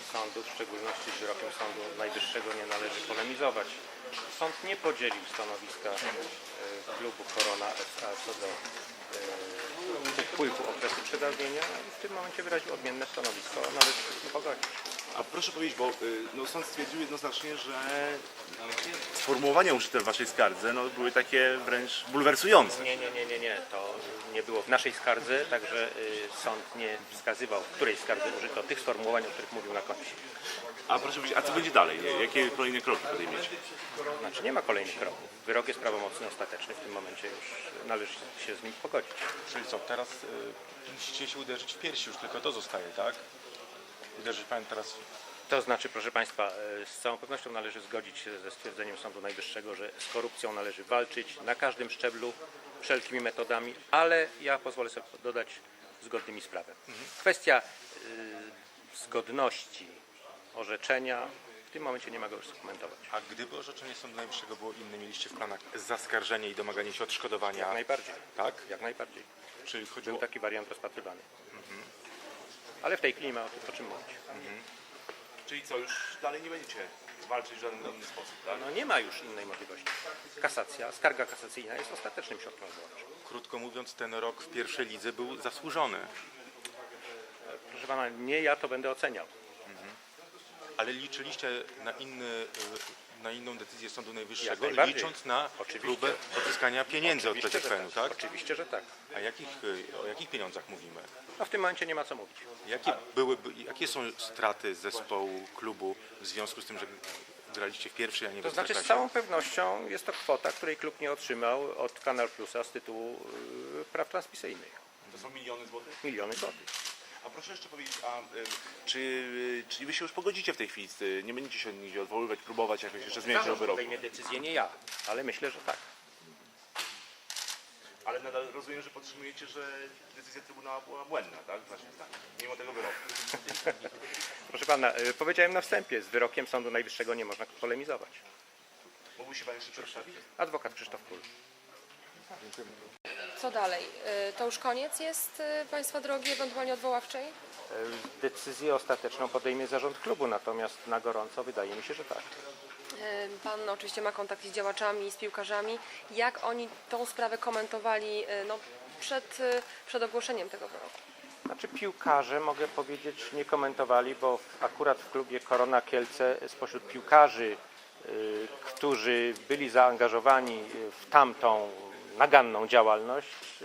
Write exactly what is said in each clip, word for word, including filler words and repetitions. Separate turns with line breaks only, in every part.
sądu, w szczególności z wyrokiem Sądu Najwyższego, nie należy polemizować. Sąd nie podzielił stanowiska e, klubu Korona S A co do e, upływu okresu przedawnienia i w tym momencie wyraził odmienne stanowisko, należy się z tym pogodzić.
A proszę powiedzieć, bo no, sąd stwierdził jednoznacznie, że sformułowania użyte w waszej skardze no, były takie wręcz bulwersujące.
Nie, nie, nie, nie, nie. To nie było w naszej skardze, także y, sąd nie wskazywał, w której skardze użyto tych sformułowań, o których mówił na końcu.
A proszę powiedzieć, a co będzie dalej? Jakie kolejne kroki podejmiecie?
Znaczy nie ma kolejnych kroków. Wyrok jest prawomocny, ostateczny. W tym momencie już należy się z nim pogodzić.
Czyli co, teraz y, musicie się uderzyć w piersi, już tylko to zostaje, tak? Uderzyć pan teraz...
To znaczy, proszę Państwa, y, z całą pewnością należy zgodzić się ze stwierdzeniem Sądu Najwyższego, że z korupcją należy walczyć na każdym szczeblu, wszelkimi metodami, ale ja pozwolę sobie dodać zgodnymi z prawem. Kwestia y, zgodności orzeczenia w tym momencie nie ma go już skomentować.
A gdyby orzeczenie Sądu Najwyższego było inne, mieliście w planach zaskarżenie i domaganie się odszkodowania?
Jak najbardziej.
Tak?
Jak najbardziej.
Czyli chodziło...
Był taki wariant rozpatrywany. Mhm. Ale w tej chwili nie ma o tym o czym mówić.
Mhm. Czyli co, już dalej nie będziecie walczyć w żaden inny sposób, tak?
No nie ma już innej możliwości. Kasacja, skarga kasacyjna jest ostatecznym środkiem odwoławczym.
Krótko mówiąc, ten rok w pierwszej lidze był zasłużony.
Proszę Pana, nie ja to będę oceniał.
Ale liczyliście na, inny, na inną decyzję Sądu Najwyższego,
najbardziej.
licząc na
Oczywiście.
próbę odzyskania pieniędzy od
Oczywiście,
P
że
Z P N-u, tak?
Oczywiście, że tak.
A jakich, o jakich pieniądzach mówimy?
No w tym momencie nie ma co mówić.
Jakie, były, jakie są straty zespołu, klubu w związku z tym, że graliście w pierwszej, a nie w
To znaczy z
Ekstraklasie?
całą pewnością jest to kwota, której klub nie otrzymał od Kanal Plusa z tytułu y, praw transmisyjnych.
To są miliony złotych?
Miliony złotych.
A proszę jeszcze powiedzieć, a y, czy, y, czy wy się już pogodzicie w tej chwili? Y, Nie będziecie się nigdzie odwoływać, próbować jakoś jeszcze zmieniać ten wyrok?
Podejmie decyzję nie ja, ale myślę, że tak.
Ale nadal rozumiem, że podtrzymujecie, że decyzja Trybunału była błędna, tak? W naszym stanie, mimo tego wyroku.
Proszę Pana, y, powiedziałem na wstępie, z wyrokiem Sądu Najwyższego nie można polemizować.
Mógłby się Pan jeszcze przedstawić?
Adwokat Krzysztof Kul.
Co dalej? Y, To już koniec jest y, Państwa drogi ewentualnie odwoławczej?
Y, Decyzję ostateczną podejmie zarząd klubu, natomiast na gorąco wydaje mi się, że tak.
Y, Pan oczywiście ma kontakt z działaczami, z piłkarzami. Jak oni tą sprawę komentowali y, no, przed, y, przed ogłoszeniem tego wyroku?
Znaczy piłkarze, mogę powiedzieć, nie komentowali, bo w, akurat w klubie Korona Kielce spośród piłkarzy, y, którzy byli zaangażowani w tamtą naganną działalność,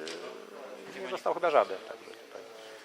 y, nie został chyba żaden. Także tutaj.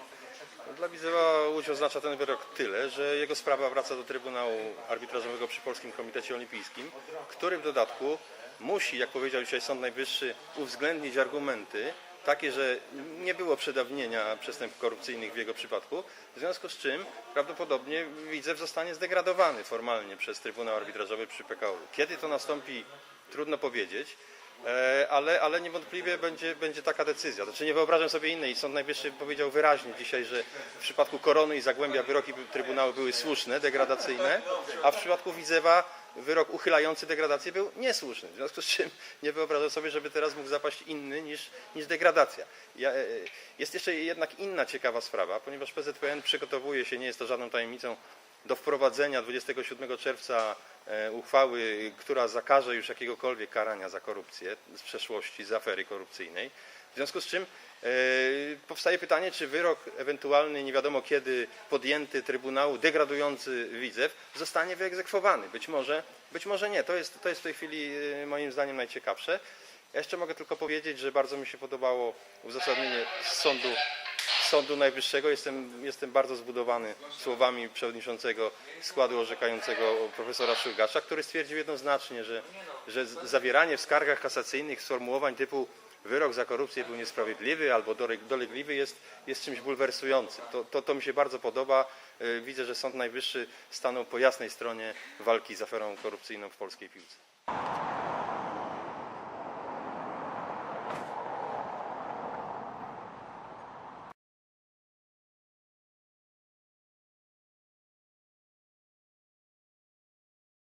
Dla Widzewa Łódź oznacza ten wyrok tyle, że jego sprawa wraca do Trybunału Arbitrażowego przy Polskim Komitecie Olimpijskim, który w dodatku musi, jak powiedział dzisiaj Sąd Najwyższy, uwzględnić argumenty takie, że nie było przedawnienia przestępstw korupcyjnych w jego przypadku, w związku z czym prawdopodobnie Widzew zostanie zdegradowany formalnie przez Trybunał Arbitrażowy przy P K O. Kiedy to nastąpi, trudno powiedzieć. Ale, ale niewątpliwie będzie, będzie taka decyzja. Znaczy nie wyobrażam sobie innej. Sąd Najwyższy powiedział wyraźnie dzisiaj, że w przypadku Korony i Zagłębia wyroki Trybunału były słuszne, degradacyjne, a w przypadku Widzewa wyrok uchylający degradację był niesłuszny. W związku z czym nie wyobrażam sobie, żeby teraz mógł zapaść inny niż, niż degradacja. Ja, jest jeszcze jednak inna ciekawa sprawa, ponieważ P Z P N przygotowuje się, nie jest to żadną tajemnicą, do wprowadzenia dwudziestego siódmego czerwca uchwały, która zakaże już jakiegokolwiek karania za korupcję z przeszłości, z afery korupcyjnej. W związku z czym e, powstaje pytanie, czy wyrok ewentualny, nie wiadomo kiedy podjęty Trybunału, degradujący Widzew, zostanie wyegzekwowany. Być może, być może nie. To jest, to jest w tej chwili e, moim zdaniem najciekawsze. Ja jeszcze mogę tylko powiedzieć, że bardzo mi się podobało uzasadnienie sądu Sądu Najwyższego. Jestem, jestem bardzo zbudowany słowami przewodniczącego składu orzekającego profesora Szulgasza, który stwierdził jednoznacznie, że, że zawieranie w skargach kasacyjnych sformułowań typu wyrok za korupcję był niesprawiedliwy albo dolegliwy jest, jest czymś bulwersującym. To, to, to mi się bardzo podoba. Widzę, że Sąd Najwyższy stanął po jasnej stronie walki z aferą korupcyjną w polskiej piłce.